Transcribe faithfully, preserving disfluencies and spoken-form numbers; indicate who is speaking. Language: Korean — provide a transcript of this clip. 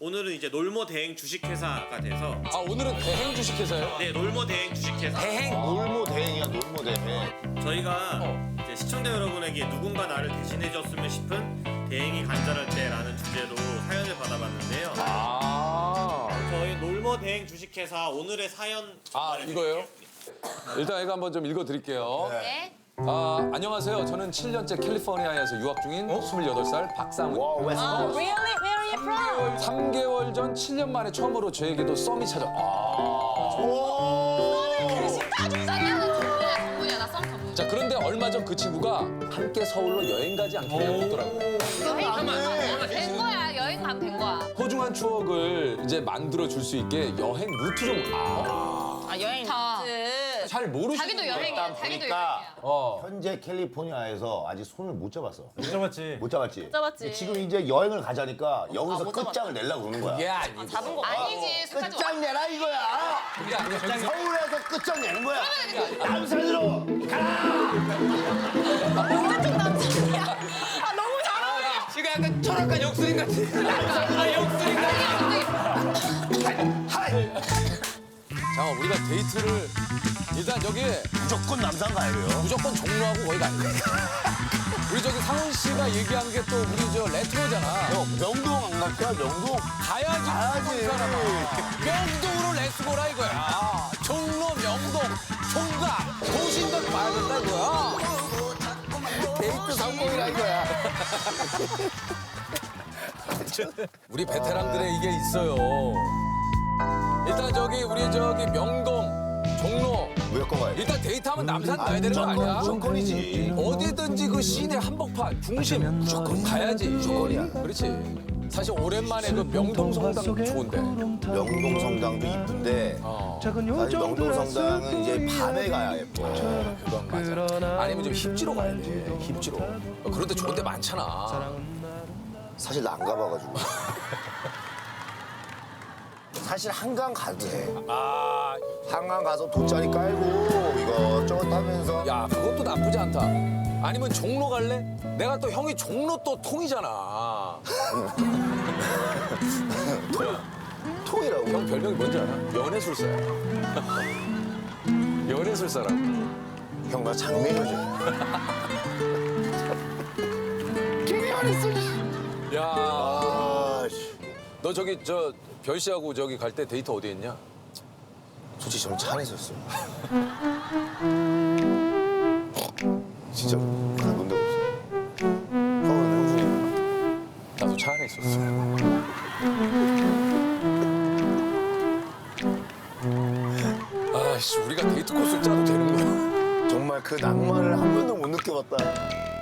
Speaker 1: 오늘은 이제 놀모 대행 주식회사가 돼서
Speaker 2: 아 오늘은 대행 주식회사예요?
Speaker 1: 네 놀모 대행 주식회사
Speaker 2: 대행?
Speaker 3: 놀모 대행이야, 놀모 대행.
Speaker 1: 저희가
Speaker 2: 어.
Speaker 1: 이제 시청자 여러분에게 누군가 나를 대신해줬으면 싶은 대행이 간절할 때라는 주제로 사연을 받아봤는데요.
Speaker 2: 아,
Speaker 1: 저희 놀모 대행 주식회사 오늘의 사연
Speaker 2: 아 이거예요? 일단 이거 한번 좀 읽어드릴게요.
Speaker 4: 네.
Speaker 2: 아, 안녕하세요. 저는 칠 년째 캘리포니아에서 유학 중인 스물여덟 살 박상훈.
Speaker 3: 와, 웨스트
Speaker 4: 아,
Speaker 3: 코스트.
Speaker 4: really? Where are you from?
Speaker 2: 삼 개월 전 칠 년 만에 처음으로 저에게도 썸이 찾아. 아.
Speaker 4: 전문이야, 나썸 전문.
Speaker 2: 자, 그런데 얼마 전 그 친구가 함께 서울로 여행 가지 않겠냐고 묻더라고요.
Speaker 4: 여행 가면 된 거야. 여행 가면 된 거야.
Speaker 2: 소중한 추억을 이제 만들어 줄 수 있게 여행 루트 좀. 아.
Speaker 4: 아, 여행 루트.
Speaker 2: 잘 모르시는
Speaker 4: 자기도 여행이야.
Speaker 3: 일단
Speaker 4: 자기도
Speaker 3: 보니까
Speaker 4: 여행이야.
Speaker 2: 어.
Speaker 3: 현재 캘리포니아에서 아직 손을 못 잡았어.
Speaker 5: 못 잡았지.
Speaker 3: 못 잡았지?
Speaker 4: 잡았지.
Speaker 3: 지금 이제 여행을 가자니까 여기서
Speaker 4: 못
Speaker 3: 끝장을 내려고 그러는 거야.
Speaker 2: 이게 아니고.
Speaker 4: 잡은 거 아니지. 술까지
Speaker 3: 끝장 내라 이거야.
Speaker 2: 그게 아니고 저기
Speaker 3: 서울에서 끝장 내는 거야. 남산으로 가라.
Speaker 4: 아, 너무 잘하네.
Speaker 2: 지금 약간 철학과 역술인 같아. 아, 역술인 같아.
Speaker 3: 하이.
Speaker 2: 자, 우리가 데이트를 일단 여기
Speaker 3: 무조건 남산 가야 돼요.
Speaker 2: 무조건 종로하고 거기 가야 돼. 우리 저기 상훈 씨가 얘기한 게 또 우리 저 레트로잖아.
Speaker 3: 형, 명동 안 갈까? 명동?
Speaker 2: 가야지.
Speaker 3: 가야지.
Speaker 2: 이 사람아. 명동으로 레츠고라 이거야. 종로, 명동, 총각, 도심각 봐야 된다 이거야.
Speaker 3: 데이트 성공이라 이거야.
Speaker 2: 우리 베테랑들의 이게 있어요. 일단 저기 우리 저기 명동, 종로.
Speaker 3: 무조건 가야 돼.
Speaker 2: 일단 데이트하면 남산 가야 되는 거 아니야?
Speaker 3: 무조건이지.
Speaker 2: 어디든지 그 시내 한복판 중심 무조건 가야지.
Speaker 3: 무조건이야.
Speaker 2: 그렇지. 사실 오랜만에 그 명동 성당 좋은데.
Speaker 3: 명동 성당도 이쁜데
Speaker 2: 어.
Speaker 3: 사실 명동 성당은 이제 밤에 가야 예뻐.
Speaker 2: 그건 맞아. 아니면 좀 힙지로 가야 돼. 힙지로. 어, 그런데 좋은 데 많잖아.
Speaker 3: 사실 나 안 가봐가지고. 사실 한강 가도 돼.
Speaker 2: 아,
Speaker 3: 한강 가서 돗자리 깔고 이것저것 하면서
Speaker 2: 야, 그것도 나쁘지 않다. 아니면 종로 갈래? 내가 또 형이 종로 또 통이잖아.
Speaker 3: 통이라고.
Speaker 2: 형 별명이 뭔지 알아? 연애술사야. 연애술사라고.
Speaker 3: 형 나 장미여지. 김희원했어.
Speaker 2: 야,
Speaker 3: 아, 씨.
Speaker 2: 너 저기 저 별 씨하고 저기 갈 때 데이트 어디 했냐?
Speaker 3: 솔직히 저는 차 안에서 했어요. 진짜 가본 적 없어. 형은 형준이.
Speaker 2: 나도 차 안에 있었어. 아씨, 우리가 데이트 코스를 짜도 되는 거야?
Speaker 3: 정말 그 낭만을 한 번도 못 느껴봤다.